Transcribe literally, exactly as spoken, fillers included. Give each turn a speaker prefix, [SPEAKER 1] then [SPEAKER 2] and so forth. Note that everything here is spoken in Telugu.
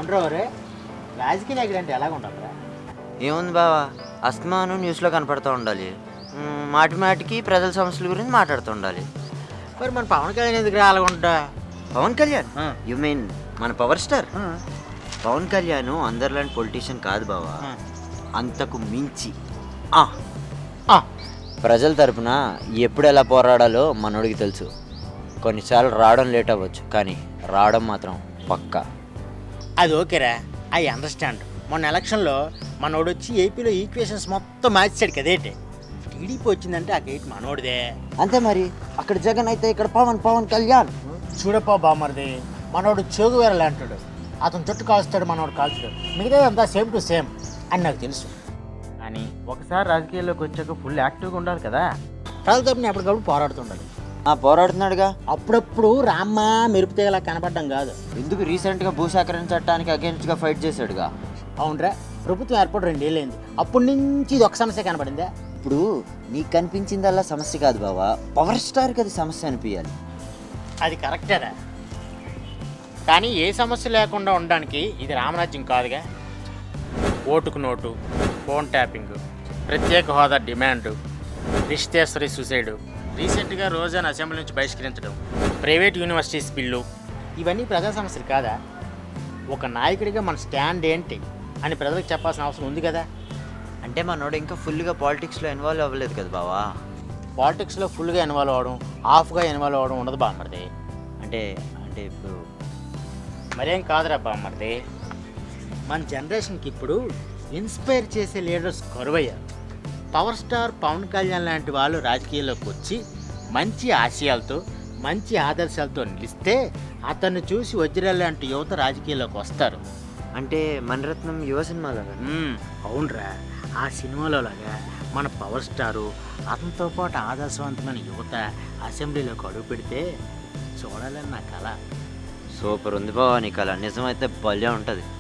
[SPEAKER 1] అవునరా ఒరే, రాజకీయ నాయకుడు అంటే ఎలాగ ఉండాలిరా?
[SPEAKER 2] ఏముంది బావా, అస్తమాను న్యూస్లో కనపడుతూ ఉండాలి. మ్, మాటి మాటికి ప్రజల సమస్యల గురించి మాట్లాడుతూ ఉండాలి.
[SPEAKER 1] మరి మన పవన్ కళ్యాణ్ ఎందుకు అలాగుంటా?
[SPEAKER 2] పవన్ కళ్యాణ్
[SPEAKER 1] ఆ.
[SPEAKER 2] యు మీన్ మన పవర్ స్టార్ పవన్ కళ్యాణ్ అందరిలాంటి పొలిటీషియన్ కాదు బావా, అంతకు మించి ఆ,
[SPEAKER 1] ఆ.
[SPEAKER 2] ప్రజల తరపున ఎప్పుడు ఎలా పోరాడాలో మనోడికి తెలుసు. కొన్నిసార్లు రావడం లేట్ అవ్వచ్చు, కానీ రావడం మాత్రం పక్కా.
[SPEAKER 1] అది ఓకేరా, ఐ అండర్స్టాండ్. మొన్న ఎలక్షన్లో మనోడు వచ్చి ఏపీలో ఈక్వేషన్స్ మొత్తం మార్చాడు కదేంటి. టీడీపీ వచ్చిందంటే ఆ గేట్ మనోడిదే.
[SPEAKER 2] అంతే మరి, అక్కడ జగన్ అయితే ఇక్కడ పవన్ పవన్ కళ్యాణ్.
[SPEAKER 1] చూడప్పా బామ్మర్ది, మనోడు చెగు వేరలే అంటాడు. అతను చుట్టూ కాల్స్తాడు, మనోడు కాల్చుతాడు. మిగతా అంతా సేమ్ టు సేమ్ అని నాకు తెలుసు.
[SPEAKER 3] కానీ ఒకసారి రాజకీయాల్లోకి వచ్చాక ఫుల్ యాక్టివ్గా ఉండాలి కదా.
[SPEAKER 1] ప్రజల తరపున ఎప్పటికప్పుడు పోరాడుతుండాలి.
[SPEAKER 2] ఆ పోరాడుతున్నాడుగా.
[SPEAKER 1] అప్పుడప్పుడు రామ్మ మెరుపుతీగలా కనపడడం కాదు.
[SPEAKER 2] ఎందుకు రీసెంట్గా భూసేకరణ చట్టానికి అగేన్స్ట్గా ఫైట్ చేశాడుగా.
[SPEAKER 1] అవునరా, ప్రభుత్వం ఏర్పడి రెండేళ్ళైంది. అప్పటి నుంచి ఇది ఒక సమస్య కనపడిందా?
[SPEAKER 2] ఇప్పుడు నీకు కనిపించిందల్లా సమస్య కాదు బావా, పవర్ స్టార్కి అది సమస్య అనిపించాలి.
[SPEAKER 1] అది కరెక్టేరా, కానీ ఏ సమస్య లేకుండా ఉండడానికి ఇది రామరాజ్యం కాదుగా. ఓటుకు నోటు, ఫోన్ ట్యాపింగ్, ప్రత్యేక హోదా డిమాండు, రిషితేశ్వరి సూసైడు, రీసెంట్గా రోజాను అసెంబ్లీ నుంచి బహిష్కరించడం, ప్రైవేట్ యూనివర్సిటీస్ బిల్లు, ఇవన్నీ ప్రజా సమస్యలు కాదా? ఒక నాయకుడిగా మన స్టాండ్ ఏంటి అని ప్రజలకు చెప్పాల్సిన అవసరం ఉంది కదా.
[SPEAKER 2] అంటే మనోడు ఇంకా ఫుల్గా పాలిటిక్స్లో ఇన్వాల్వ్ అవ్వలేదు కదా బావా.
[SPEAKER 1] పాలిటిక్స్లో ఫుల్గా ఇన్వాల్వ్ అవ్వడం, హాఫ్గా ఇన్వాల్వ్ అవ్వడం ఉండదు బామ్మర్ది.
[SPEAKER 2] అంటే అంటే ఇప్పుడు
[SPEAKER 1] మరేం కాదురా బామ్మర్ది, మన జనరేషన్కి ఇప్పుడు ఇన్స్పైర్ చేసే లీడర్స్ కరువయ్యారు. పవర్ స్టార్ పవన్ కళ్యాణ్ లాంటి వాళ్ళు రాజకీయాల్లోకి వచ్చి మంచి ఆశయాలతో మంచి ఆదర్శాలతో నిలిస్తే అతన్ని చూసి వజ్రాలు లాంటి యువత రాజకీయాల్లోకి వస్తారు.
[SPEAKER 2] అంటే మణిరత్నం యువ సినిమాలో
[SPEAKER 1] మ్మ్, అవునరా, ఆ సినిమాలో లాగా మన పవర్ స్టారు అతనితో పాటు ఆదర్శవంతమైన యువత అసెంబ్లీలోకి అడుగు పెడితే చూడాలని నా కళ.
[SPEAKER 2] సూపర్ ఉంది బావా నీ కళ, నిజమైతే భలే ఉంటుంది.